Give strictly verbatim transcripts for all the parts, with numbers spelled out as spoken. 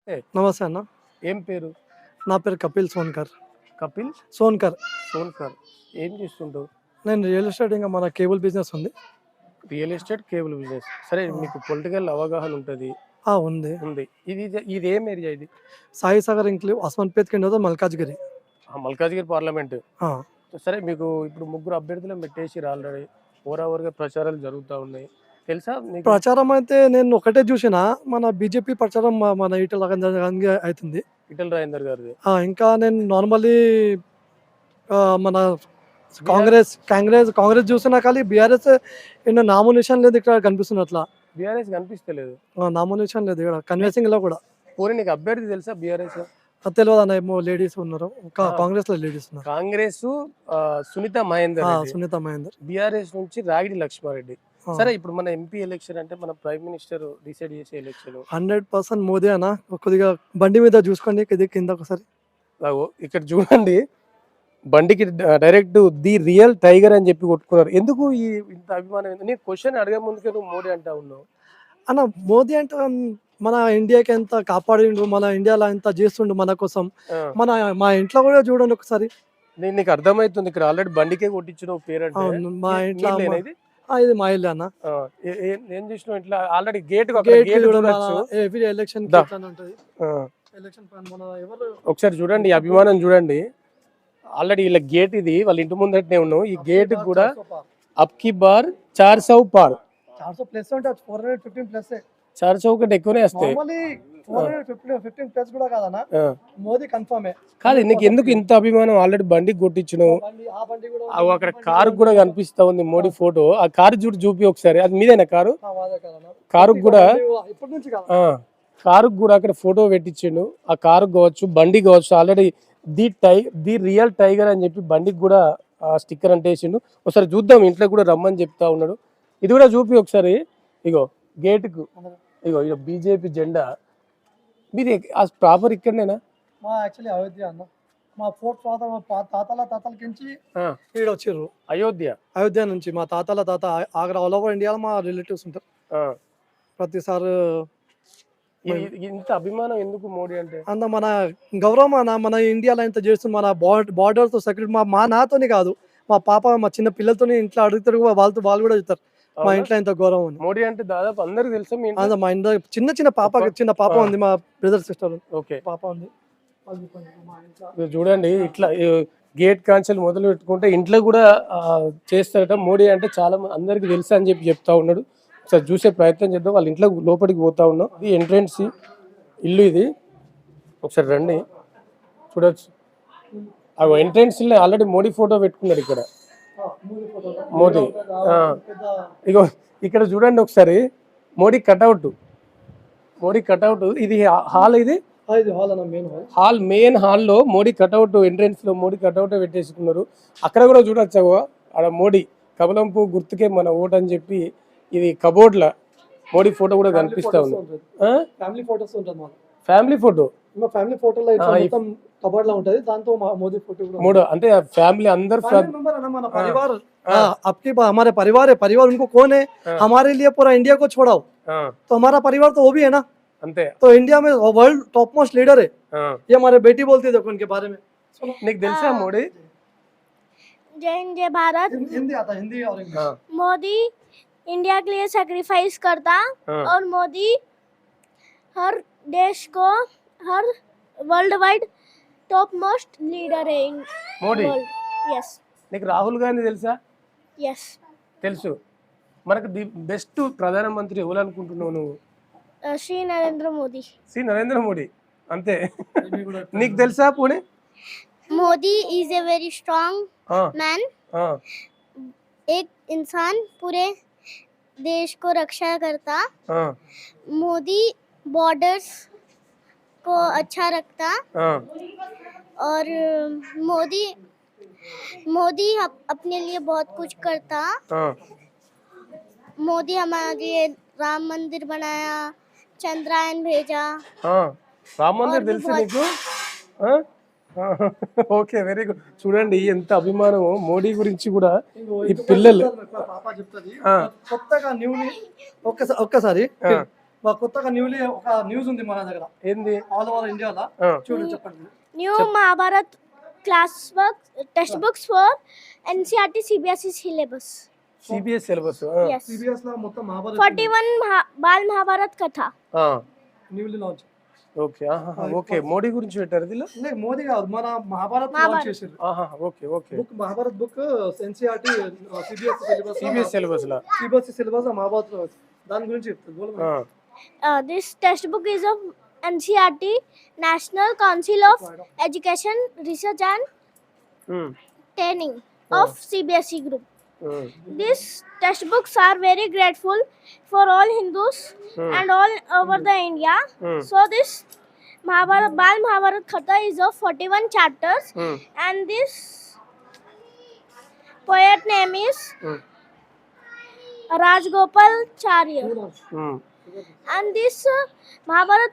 ఏ, నమస్తే అన్న. ఏం పేరు? నా పేరు కపిల్ సోన్కర్. కపిల్ సోన్కర్. సోన్కర్. ఏం చేస్తుంటావు? నేను రియల్ ఎస్టేట్ ఇంకా మన కేబుల్ బిజినెస్ ఉంది. Real estate, cable business. సరే, మీకు పొలిటికల్ అవగాహన ఉంటుంది. ఆ, ఉంది. ఉంది. ఇది ఇది ఏం ఏరియా ఇది? సాయి సాగర్ ఇంక్లీవ్ అస్మాన్పేట్ కింద మల్కాజ్గిరి. ఆ, మల్కాజ్గిరి పార్లమెంట్. ఆ, సరే, మీకు ఇప్పుడు ముగ్గురు అభ్యర్థులను పెట్టేసి ఆల్రెడీ ఓవర్ ఓవర్గా ప్రచారాలు జరుగుతూ ఉన్నాయి, తెలుసా నీకు? ప్రచారం అయితే నేను ఒకటే చూసిన, మన బీజేపీ ప్రచారం మ- మన ఈటల రాజేందర్ అవుతుంది. ఈటెల రాజేందర్ గారిది. ఆ, ఇంకా నేను నార్మల్లీ మన కాంగ్రెస్ కాంగ్రెస్ కాంగ్రెస్ చూసినా కానీ బీఆర్ఎస్ ఎన్నో నామినేషన్ లేదు ఇక్కడ కనిపిస్తుంది. అట్లా బీఆర్ఎస్ కనిపిస్తలేదు. నామినేషన్ లేదు ఇక్కడ కన్విన్సింగ్ లో కూడా. పోనీ నీకు అభ్యర్థి తెలుసా బీఆర్ఎస్? అది తెలియదు అన్న, ఏమో లేడీస్ ఉన్నారు, ఇంకా ఆ. కాంగ్రెస్ లో లేడీస్ ఉన్నారు. కాంగ్రెస్ సునీత మహేందర్ ఆ, రెడ్డి. సునీత మహేందర్. బీఆర్ఎస్ నుంచి రాగిడి లక్ష్మారెడ్డి. ఆ. సరే, ఇప్పుడు మన ఎంపీ ఎలక్షన్ అంటే మన ప్రైమ్ మినిస్టర్ డిసైడ్ చేసే ఎలక్షన్. హండ్రెడ్ పర్సెంట్ మోదీ అన్న. కొద్దిగా బండి మీద చూసుకోండి, ఇది కింద ఒకసారి. అగో ఇక్కడ చూడండి, బండికి డైరెక్ట్ ది రియల్ టైగర్ అని చెప్పి కొట్టుకున్నారు. ఎందుకు ఈ ఇంత అభిమానం? ఎందుకు? నేను క్వశ్చన్ అడగ ముందుకే నువ్వు మోడీ అంటా ఉన్నావు. అన్న, మోదీ అంటే మన ఇండియాకి ఎంత కాపాడిండు, మన ఇండియాలో ఎంత చేస్తుండు మన కోసం. ఆ, మన మా ఇంట్లో కూడా చూడండి ఒకసారి. నేను నీకు అర్థమవుతుంది, ఇక్కడ ఆల్రెడీ బండికే కొట్టించిన పేరు అంటే. అవును, మా ఇంట్లో నీళ్ళేనా అమ్మ- ఇది? ఆ, ఇది మా ఇల్లు అన్న. ఆ, ఏ- ఏ- ఏం చేసినావు ఇట్లా? ఆల్రెడీ గేట్ గేట్ గేట్ చూడండి, చూడొచ్చు. ఎవ్రీ ఎలక్షన్ దా. ఉంటుంది. ఆ, ఎలక్షన్ మన ఎవరు ఒకసారి చూడండి, ఈ అభిమానం చూడండి. ఆల్రెడీ ఇలా గేట్ ఇది వాళ్ళ ఇంటి ముందటనే ఉన్నావు. ఈ గేట్ కూడా అప్కి బార్ చార్ సౌ పార్ చార్ సో ప్లస్ అంటే ఫోర్ హండ్రెడ్ ఫిఫ్టీన్ ప్లస్. చార్ సౌ కంటే ఎక్కువనే వస్తాయి. Normally four hundred fifteen fifteen plus కూడా కాదన్న, ఆ, మోదీ కన్ఫర్మే. కాదు, నీకు ఎందుకు ఇంత అభిమానం? ఆల్రెడీ బండికి కొట్టించినావు. బండి ఆ బండి కూడా అగో అక్కడ కారు కూడా కనిపిస్తా ఉంది మోడీ ఫోటో. ఆ కారు చూడు, చూపి ఒకసారి. అది మీదేనా కారు? ఆ, వాదే కాదన్న. కారుకు కూడా ఇప్పటి నుంచి కాదు. ఆ కారుకు కూడా అక్కడ ఫోటో పెట్టించిండు. ఆ కారు కావచ్చు, బండి కావచ్చు. Already the tie the real tiger అని చెప్పి బండికి కూడా ఆ స్టిక్కర్ అంటేసిండు. ఒకసారి చూద్దాం, ఇంట్లో కూడా రమ్మని చెప్తా ఉన్నాడు. ఇది కూడా చూపి ఒకసారి. ఇగో గేటుకు, ఇగో ఇగో బీజేపీ జెండా. మీది ఆ ప్రాపర్ ఇక్కడనేనా? మా యాక్చువల్లీ అయోధ్య అన్న. మా ఫోర్త్ తాత మా పా- తాతల తాతల నుంచి ఆ, ఈడ వచ్చిర్రు. అయోధ్య. అయోధ్య నుంచి మా తాతల తాత ఆగ్రా, ఆల్ ఓవర్ ఇండియాలో మా రిలేటివ్స్ ఉంటారు. ఆ, ప్రతిసారి ఇది- ఇది ఇంత అభిమానం ఎందుకు మోడీ అంటే? అంత మన గౌరవం మన మన ఇండియాలో ఇంత చేస్తుంది. మన బార్డర్ తో సెక్యూరిటీ మా మా నాతోని కాదు, మా పాప మా చిన్న పిల్లలతోని ఇంట్లో అడుగుతారు, వాళ్ళతో వాళ్ళు కూడా చెప్తారు మా అవునా? ఇంట్లో ఇంత గౌరవం అని. మోడీ అంటే దాదాపు అందరికి తెలుసా మీ ఇంట్లో? అంత మా ఇంట్లో చిన్న చిన్న పాప పాప? చిన్న పాప ఆ. ఉంది, మా బ్రదర్ సిస్టర్ ఓకే, పాప ఉంది. వాళ్ళు చెప్పండి, మా ఇంట్లో మీరు చూడండి, ఇట్లా గేట్ కాన్సల్ మొదలు పెట్టుకుంటే ఇంట్లో కూడా ఆ, చేస్తారట. మోడీ అంటే చాలా మంది అందరికి తెలుసా అని చెప్పి చెప్తా ఉన్నాడు. ఒకసారి చూసే ప్రయత్నం చేద్దాం. వాళ్ళ ఇంట్లో లోపలికి పోతా ఉన్నాం. ఇది ఎంట్రెన్స్ ఇల్లు ఇది. ఒకసారి రండి, చూడొచ్చు. ఆ ఎంట్రెన్స్ ఆల్రెడీ మోడీ ఫోటో పెట్టుకున్నాడు ఇక్కడ. మోడీ ఆ, ఇగో ఇక్కడ చూడండి ఒకసారి, మోడీ కటౌట్. మోడీ కటౌట్. ఇది హాల్. ఇది ఇది హాల్ అన్న, మెయిన్ హాల్. హాల్, మెయిన్ హాల్లో మోడీ కటౌట్. ఎంట్రెన్స్ లో మోడీ కటౌట్ పెట్టేసుకున్నారు. అక్కడ కూడా చూడొచ్చు, అక్కడ మోడీ కమలంపు గుర్తుకే మన ఓటు అని చెప్పి ఇది కబోర్డ్ లా మోడీ ఫోటో కూడా కనిపిస్తా ఉంది. ఫ్యామిలీ ఫోటోస్ ఉంటుంది మా ఫ్యామిలీ ఫోటో. మా ఫ్యామిలీ ఫోటోలో ఇట్లా ఆ, ఈ- మొత్తం కబోర్డ్ లా ఉంటది, దాంతో మా మోదీ ఫోటో కూడా మూడు అంటే ఫ్యామిली अंदर फैमिली मेंबर है ना, हमारा हाँ। परिवार। हाँ। हाँ, आपके पा- हमारे परिवार है, परिवार उनको कौन है? हाँ। हमारे लिए पूरा इंडिया को छोड़ाओ, तो हमारा परिवार तो वो भी है ना। అంతే. तो इंडिया में वर्ल्ड टॉप मोस्ट लीडर है, ये हमारे बेटी बोलती है, देखो उनके बारे में। सुनो, నీకు తెలుసా మోడీ? जय हिंद जय भारत। हिं- हिंदी आता है, हिंदी और इंग्लिश। हाँ, मोदी इंडिया के लिए सेक्रीफाइस करता हाँ। और मोदी हर देश को हर world wide top most leader है इन మోడీ. वर्ल्ड। यस నీకు రాహుల్ గాంధీ తెలుసా? यस తెలుసు. మనకు ది బెస్ట్ ప్రధానమంత్రి ఎవరు అనుకుంటున్నావు నువ్వు? श्री नरेंद्र मोदी। శ్రీ నరేంద్ర మోడీ. అంతే. నీకు తెలుసా పోనీ? Modi is a very strong ఆ, मैन। ఆ, एक इंसान पूरे देश को रक्षा करता। ఆ, मोदी बॉर्डर्स को अच्छा रखता ఆ. और मोदी मोदी अप- अपने लिए बहुत कुछ करता। ఆ. मोदी हमारे लिए राम मंदिर बनाया, चंद्रयान भेजा। ఆ, రామ మందిర్ और भी తెలుసు बहुत- నీకు? ఆ? ఆ, ఓకే, వెరీ గుడ్. చూడండి ఎంత అభిమానము మోడీ గురించి కూడా ఈ పిల్లలు. పాప చెప్తుంది ఆ. కొత్తగా న్యూలీ ఒక్కసారి ఒక్కసారి ఆ. మా కొత్తగా న్యూలీ ఒక న్యూస్ ఉంది మన దగ్గర ఏంది ఆల్ ఓవర్ ఇండియాలో ఆ, చూడు చెప్పండి. New Mahabharat class work textbooks for N C R T C B S E syllabus. CBSE syllabus Yes. CBSE లో మొత్తం Mahabharat forty-one Maha- Bal Mahabharat Katha. Newly launch. Okay okay Modi గురించి పెట్టారు దీనిలో అంటే మోదీ కాదు, మన మహాభారత్ లాంచ్ మహాభారత్. చేసారు. ఆహా, okay okay book Mahabharat book NCERT CBSE syllabus CBSE syllabus లా సిబిఎస్ సిలబస్ మహాభారత్ లో దాని గురించి చెప్తుంది. బోలు. ఆ, Uh, this textbook is of N C R T National Council of Education Research and um, Training of C B S E group. Um, These textbooks are very grateful for all Hindus Hmm. and all over the India. Hmm. So this Mahabharat Bal Mahabharat Katha is of forty-one chapters, um, and this poet name is um, Rajgopal Charya. Um, And this uh, Mahabharat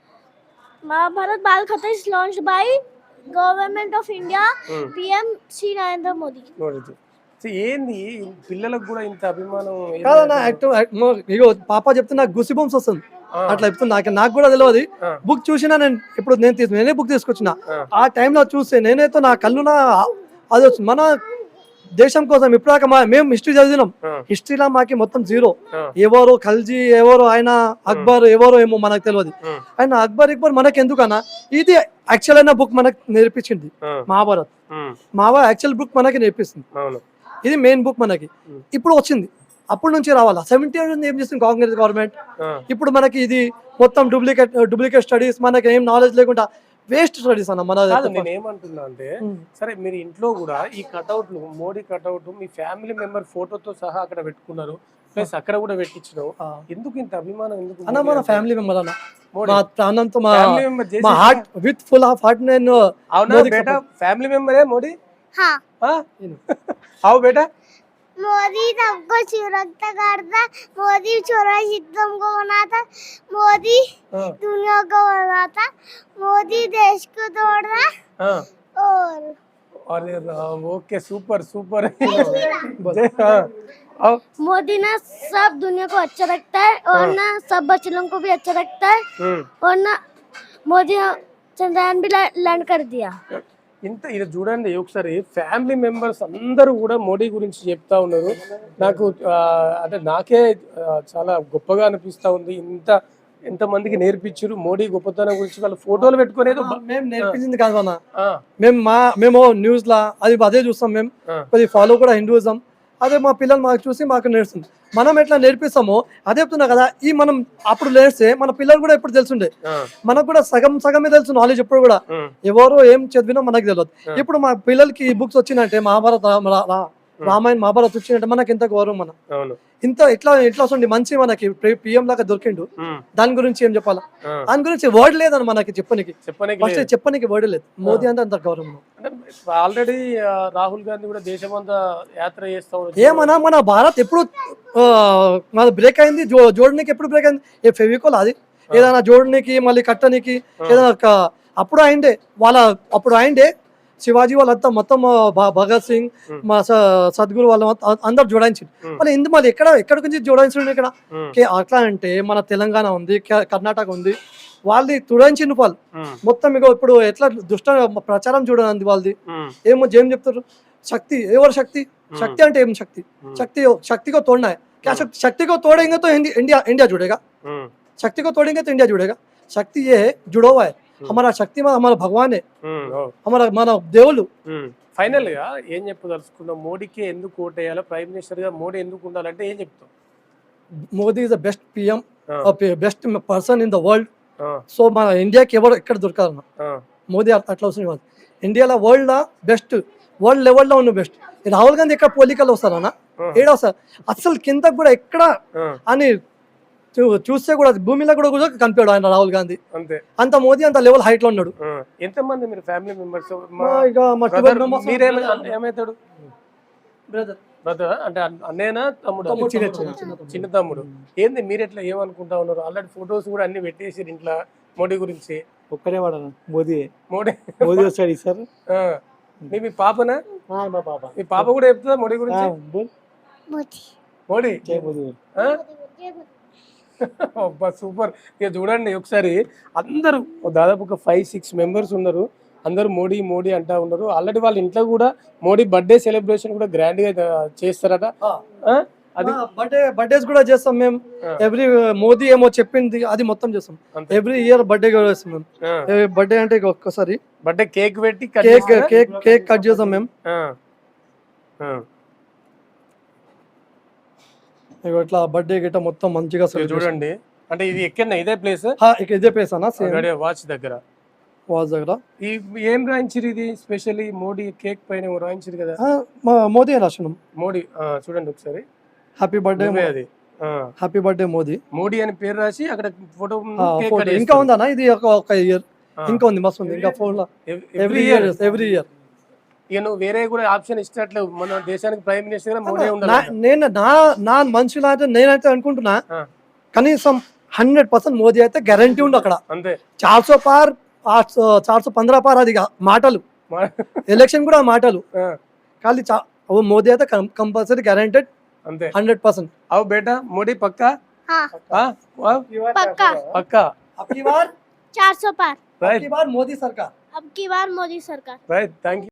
Mahabharat Bal Katha is launched by Government of India, Hmm. P M Sri Narendra Modi. Modiji. So ఏంది పిల్లలకు కూడా ఇంత అభిమానం ఏంది? కాదన్నా active ఇగో పాప చెప్తే నాకు గుసి బొమ్స్ వస్తుంది ఆ, అట్లా చెప్తుంది. నాకు నాకు కూడా తెలియదు. ఆ, బుక్ చూసినా నేను ఇప్పుడు నేను తీసు నేనే బుక్ తీసుకొచ్చిన ఆ, ఆ టైంలో చూస్తే నేనైతే నా కళ్ళు నా అది వచ్చింది. మన దేశం కోసం ఇప్పుడాక మా మేము హిస్టరీ చదివినాం. ఆ, హిస్టరీలో మాకి మొత్తం జీరో. ఆ, ఎవరు ఖల్జీ ఎవరు ఆయన అక్బర్ ఎవరు ఏమో మనకు తెలియదు. ఉమ్, ఆయన అక్బర్ ఇక్బర్ మనకి ఎందుకన్నా ఇది యాక్చువల్ అయిన బుక్ మనకు నేర్పించింది ఆ, మహాభారత్. ఉమ్, మహాభారత్ యాక్చువల్ బుక్ మనకి నేర్పిస్తుంది. అవును. ఇది మెయిన్ బుక్ మనకి Hmm. ఇప్పుడు వచ్చింది. అప్పటి నుంచి రావాలా సెవెంటీ ఇయర్స్ ఏం చేస్తుంది కాంగ్రెస్ గవర్నమెంట్. ఆ, ఇప్పుడు మనకి ఇది మొత్తం డూప్లికేట్ డూప్లికేట్ స్టడీస్ మనకి ఏం నాలెడ్జ్ లేకుండా వేస్ట్ స్టడీస్ అన్న మన కాదు నేను ఏమంటున్నా అంటే Hmm. సరే మీరు ఇంట్లో కూడా ఈ కటౌట్లు మోడీ కటౌట్ మీ ఫ్యామిలీ మెంబర్ ఫోటోతో సహా అక్కడ పెట్టుకున్నారు, ప్లస్ అక్కడ కూడా పెట్టించినావు. ఆ. ఎందుకు ఇంత అభిమానం? ఎందుకు అన్న మోడీ మన అంటే? ఫ్యామిలీ మెంబర్ అన్న మోడీ మా ప్రాణంతో మా ఫ్యామిలీ మెంబర్ చేసి మా heart with full of heart నేను అవునా మోదీకి బేటా? ఫ్యామిలీ మెంబరే మోడీ? हाँ, हाँ? आओ बेटा. मोदी सबको सुरक्षा करता, मोदी छोरा सिस्टम को बनाता, मोदी हाँ, दुनिया को बनाता, मोदी देश को तोड़ता हाँ. और अरे राम, ओके सुपर सुपर. जय हाँ. आओ. मोदी ना सब दुनिया को अच्छा रखता है और हाँ. ना सब बच्चों को भी अच्छा रखता है हम्म. और ना मोदी चंद्रयान भी लैंड कर दिया. ఇంత ఇది చూడండి ఒకసారి ఫ్యామిలీ మెంబర్స్ అందరూ కూడా మోడీ గురించి చెప్తా ఉన్నారు. నాకు ఆ, అంటే నాకే ఆ, చాలా గొప్పగా అనిపిస్తా ఉంది. ఇంత ఎంతమందికి నేర్పించారు మోడీ గొప్పతనం గురించి, వాళ్ళ ఫోటోలు పెట్టుకునేది. మేము నేర్పించింది కాదు అన్న. ఆ, మేము మా మేము న్యూస్ లా అది అదే చూస్తాం. మేము ఆ, కొద్ది ఫాలో కూడా హిందూయిజం అదే మా పిల్లలు మాకు చూసి మాకు నేర్చుంది. మనం ఎట్లా నేర్పిస్తామో అదే చెప్తున్నా కదా. ఈ మనం అప్పుడు నేర్స్తే మన పిల్లలు కూడా ఎప్పుడు తెలుసుండే. ఆ, మనకు కూడా సగం సగమే తెలుసు నాలెడ్జ్ ఎప్పుడు కూడా. ఉమ్, ఎవరు ఏం చదివినా మనకు తెలియదు. ఆ. ఇప్పుడు మా పిల్లలకి ఈ బుక్స్ వచ్చిందంటే మహాభారత రా- రా- రామాయణ మహాభారత్ వచ్చిందంటే మనకి ఎంత గౌరవం. మన అవును. ఇంత ఇట్లా ఇట్లా వస్తుంది మంచి మనకి పిఎం లాగా దొరికిండు. ఉమ్, దాని గురించి ఏం చెప్పాలా? ఆ, దాని గురించి వర్డ్ లేదని మనకి చెప్పనికి. చెప్పనీకి ఫస్ట్ లేదు. చెప్పనికి వర్డ్ లేదు. మోదీ అంటే అంత గౌరవం. ఆల్రెడీ రాహుల్ గాంధీ కూడా దేశమంతా యాత్ర చేస్తా ఉన్నారు. ఏమన్నా మన భారత్ ఎప్పుడు ఆ, మన బ్రేక్ అయింది. జో జోడనికి ఎప్పుడు బ్రేక్ అయింది? ఏ ఫెవికోల్ అది ఏదైనా జోడనికి మళ్ళీ కట్టనికి ఏదైనా ఒక- అప్పుడు అయిండే వాళ్ళ అప్పుడు అయిండే శివాజీ వాళ్ళంతా మొత్తం ఆ, భ- భగత్ సింగ్ మా స- సద్గురు వాళ్ళ మొత్తం అందరు జోడాయించింది. Hmm. మళ్ళీ ఎందుకు మళ్ళీ ఎక్కడ ఎక్కడ నుంచి జోడాయించండి ఇక్కడ? ఉమ్, కే- అట్లా అంటే మన తెలంగాణ ఉంది, క- కర్ణాటక ఉంది, వాళ్ళది తుడాయించిండు వాళ్ళు ఉమ్, మొత్తం. ఇక ఇప్పుడు ఎట్లా దుష్ట ప్రచారం చూడండి వాళ్ళది. ఉమ్, ఏమో ఏం చెప్తారు శక్తి ఎవరు శక్తి शक्ति అంటే ఏం శక్తి? शक्ति शक्ति को तोड़ना है क्या? शक्ति शक्ति को तोड़ेंगे तो हिंदी- इंडिया इंडिया जुड़ेगा. ఉమ్, शक्ति को तोड़ेंगे तो इंडिया जुड़ेगा. शक्ति ये है जुड़ा हुआ है. हमारा शक्ति में हमारा भगवान है, ఉమ్, ఓ. हमारा మన దేవుళ్ళు. ఫైనల్ గా ఏం చెప్పదలుచుకున్నాం? మోడీకి ఎందుకు ఓటేయాలో, ప్రైమ్ మినిస్టర్ గా మోడీ ఎందుకు ఉండాలంటే ఏం చెప్తాం? Modi is the best PM, ఆ, best person in the world. ఆ, సో మన ఇండియాకి ఎవరు ఎక్కడ దొరకాలన్న ఆ, మోదీ అట్లా అట్లా వస్తుంది. ఇండియాలో వరల్డ్ లా బెస్ట్, వరల్డ్ లెవెల్లో ఉన్న బెస్ట్. రాహుల్ గాంధీ ఎక్కడ పోలికలు వస్తారన్న? ఏడా వస్తారు అసలు కింద కూడా ఎక్కడ ఆ, అని చూ- చూస్తే కూడా భూమిలో కూడా కూడా కనిపాడు ఆయన రాహుల్ గాంధీ. అంతే. అంత మోదీ అంత లెవెల్ హైట్ లో ఉన్నాడు. ఆ, ఎంతమంది మీరు ఫ్యామిలీ మెంబర్స్? మా ఇక మా twelve members ఏమైతాడు brother. బ్రదర్ అంటే అన్న- అన్నయ్యనా తమ్ముడు? తమ్ముడు, చిన్న చిన్న చిన్న చిన్న తమ్ముడు. ఏంది మీరు ఎట్లా ఏమనుకుంటా ఉన్నారు? ఆల్రెడీ ఫొటోస్ కూడా అన్ని పెట్టేసి ఇంట్లో మోడీ గురించి. ఒక్కడే వాడన మోదీ మోడీ మోదీ వచ్చాడు సార్. ఆ, మీ మీ పాపనా? మా పాప మీ పాప కూడా చెప్తుందా మోడీ గురించి? బోల్ मोदी మోడీ జై మోదీ. ఆ? అబ్బా సూపర్. ఇక చూడండి ఒకసారి అందరూ దాదాపు ఒక ఫైవ్ సిక్స్ మెంబర్స్ ఉన్నారు. అందరూ మోడీ మోడీ అంటా ఉన్నారు. ఆల్రెడీ వాళ్ళ ఇంట్లో కూడా మోడీ బర్త్డే సెలబ్రేషన్ కూడా గ్రాండ్ గా చేస్తారట. ఆ? అది బర్త్డే బర్త్డేస్ కూడా చేస్తాం మేము. ఆ. ఎవ్రీ మోదీ ఏమో చెప్పింది అది మొత్తం చేస్తాం. అంతే. ఎవ్రీ ఇయర్ బర్త్డే కూడా చేస్తాం మేము. ఆ. బర్త్డే అంటే ఇక ఒక్కసారి బర్త్డే కేక్ పెట్టి cut కేక్ చేస్తారా? కేక్ కేక్ కట్ చేస్తాం మేము. ఆ. ఆ. ఇక ఇట్లా బర్త్డే గిట్ట మొత్తం మంచిగా ఇక celebration. చూడండి అంటే ఇది ఎక్కడ ఇదే ప్లేస్ హా, ఇక ఇదే ప్లేస్ అన్న సేమ్ వాచ్ దగ్గర. వాజ్ దగ్గర. ఈ ఏం రాయించారు ఇది స్పెషల్లీ మోడీ కేక్ పైన ఏమో రాయించారు కదా ఆ, మా- మోదీ అని రాసినాం. మోడీ. ఆ, చూడండి ఒకసారి హ్యాపీ బర్త్డే నువ్వే అది. ఆ. Happy birthday Modi. మోడీ అని పేరు రాసి అక్కడ ఫోటో ఆ, photo. ఇంకా ఉందన్న ఇది ఒక ఒక ఇయర్ ఆ. ఇంకా ఉంది మస్తు ఉంది ఇంకా ఫోన్ లో every every year. Year every year. ఇక నువ్వు వేరే కూడా ఆప్షన్ ఇచ్చినట్లు మన దేశానికి ప్రైమ్ మినిస్టర్ గా మోడీ ఉండాలి. నేను నా నా మనుషులు అయితే నేనైతే అనుకుంటున్నా ఆ. కనీసం హండ్రెడ్ పర్సెంట్ మోదీ అయితే గ్యారంటీ ఉంది అక్కడ. అంతే. చార్ సో పార్ చార్ సో పంద్రా పార్ అది కా- మాటలు మా- ఎలక్షన్ కూడా మాటలు ఆ, ఖాళీ చా- ఓ మోదీ అయితే కంపల్సరీ గ్యారంటెడ్ అంతే. Hundred percent. అవు బేటా మోడీ పక్కా. हाँ ఆ? ఆ? पक्का పక్కా. అబ్కి బార్ चार सौ पार రైట్ అబ్కి బార్ మోదీ సర్కార్. अब की बार मोदी सरकार. Right thank you.